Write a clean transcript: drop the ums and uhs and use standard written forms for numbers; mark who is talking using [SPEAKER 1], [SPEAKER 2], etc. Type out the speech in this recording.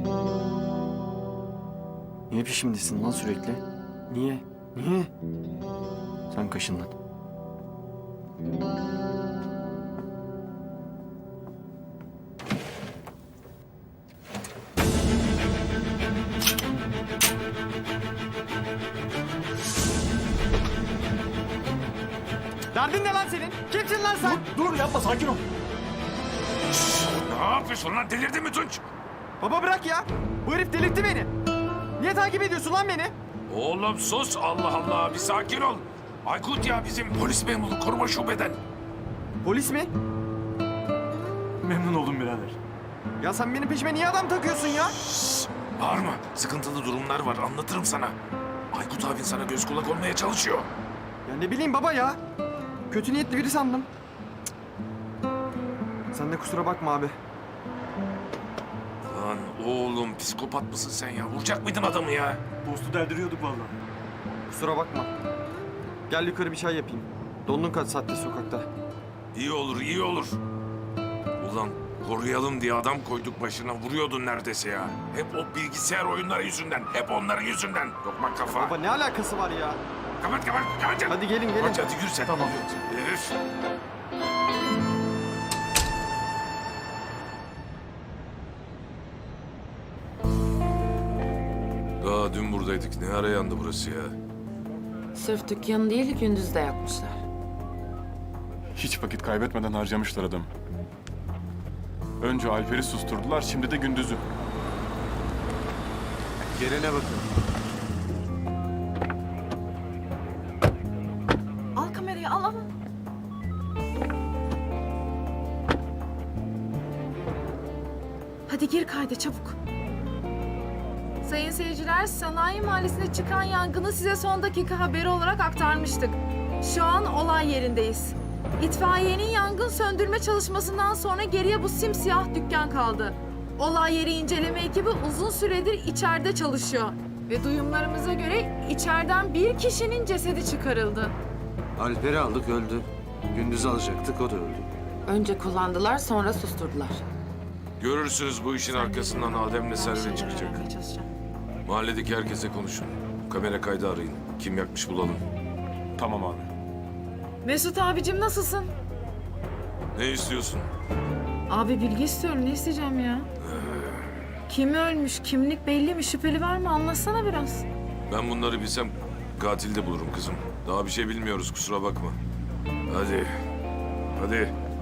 [SPEAKER 1] Niye peşimdesin lan sürekli? Niye? Niye? Sen kaşın lan. Derdin ne lan senin? Kimsin lan sen?
[SPEAKER 2] Dur yapma, sakin ol.
[SPEAKER 3] Ne yapıyorsun lan? Delirdin mi Tunç?
[SPEAKER 1] Baba bırak ya. Bu herif delirtti beni. Niye takip ediyorsun lan beni?
[SPEAKER 3] Oğlum sus. Allah Allah. Bir sakin ol. Aykut ya bizim polis memuru koruma şubeden.
[SPEAKER 1] Polis mi?
[SPEAKER 2] Memnun oldum birader.
[SPEAKER 1] Ya sen benim peşime niye adam takıyorsun ya?
[SPEAKER 3] Bağırma. Sıkıntılı durumlar var. Anlatırım sana. Aykut abin sana göz kulak olmaya çalışıyor.
[SPEAKER 1] Ya ne bileyim baba ya. Kötü niyetli biri sandım. Cık. Sen de kusura bakma abi.
[SPEAKER 3] Lan oğlum psikopat mısın sen ya? Vuracak mıydın adamı ya?
[SPEAKER 2] Dostu deldiriyorduk vallahi.
[SPEAKER 1] Kusura bakma. Gel yukarı bir çay yapayım. Dondun kaç saattir sokakta.
[SPEAKER 3] İyi olur, iyi olur. Ulan koruyalım diye adam koyduk başına. Vuruyordun neredeyse ya. Hep o bilgisayar oyunları yüzünden. Hep onların yüzünden. Lokma kafa.
[SPEAKER 1] Baba ne alakası var ya?
[SPEAKER 3] Kapat kapat kapat.
[SPEAKER 1] Hadi gelin gelin.
[SPEAKER 3] Hadi yürü sen.
[SPEAKER 2] Tamam.
[SPEAKER 3] Üf. Daha dün buradaydık. Ne ara yandı burası ya?
[SPEAKER 4] Sırf dükkanı değil, gündüz de yakmışlar.
[SPEAKER 5] Hiç vakit kaybetmeden harcamışlar adamı. Önce Alper'i susturdular, şimdi de Gündüz'ü.
[SPEAKER 1] Gelene bakın.
[SPEAKER 4] Al kamerayı, al. Hadi gir kayda çabuk.
[SPEAKER 6] Sayın seyirciler, Sanayi Mahallesi'nde çıkan yangını size son dakika haberi olarak aktarmıştık. Şu an olay yerindeyiz. İtfaiyenin yangın söndürme çalışmasından sonra geriye bu simsiyah dükkan kaldı. Olay yeri inceleme ekibi uzun süredir içeride çalışıyor. Ve duyumlarımıza göre içeriden bir kişinin cesedi çıkarıldı.
[SPEAKER 7] Alper'i aldık, öldü. Gündüz alacaktık, o da öldü.
[SPEAKER 4] Önce kullandılar, sonra susturdular.
[SPEAKER 3] Görürsünüz bu işin arkasından Adem'le Servet çıkacak. Mahalledeki herkese konuşun. Kamera kaydı arayın. Kim yakmış bulalım.
[SPEAKER 5] Tamam abi.
[SPEAKER 6] Mesut abicim nasılsın?
[SPEAKER 3] Ne istiyorsun?
[SPEAKER 6] Abi bilgi istiyorum, ne isteyeceğim ya? Kim ölmüş, kimlik belli mi, şüpheli var mı? Anlatsana biraz.
[SPEAKER 3] Ben bunları bilsem katil de bulurum kızım. Daha bir şey bilmiyoruz kusura bakma. Hadi. Hadi.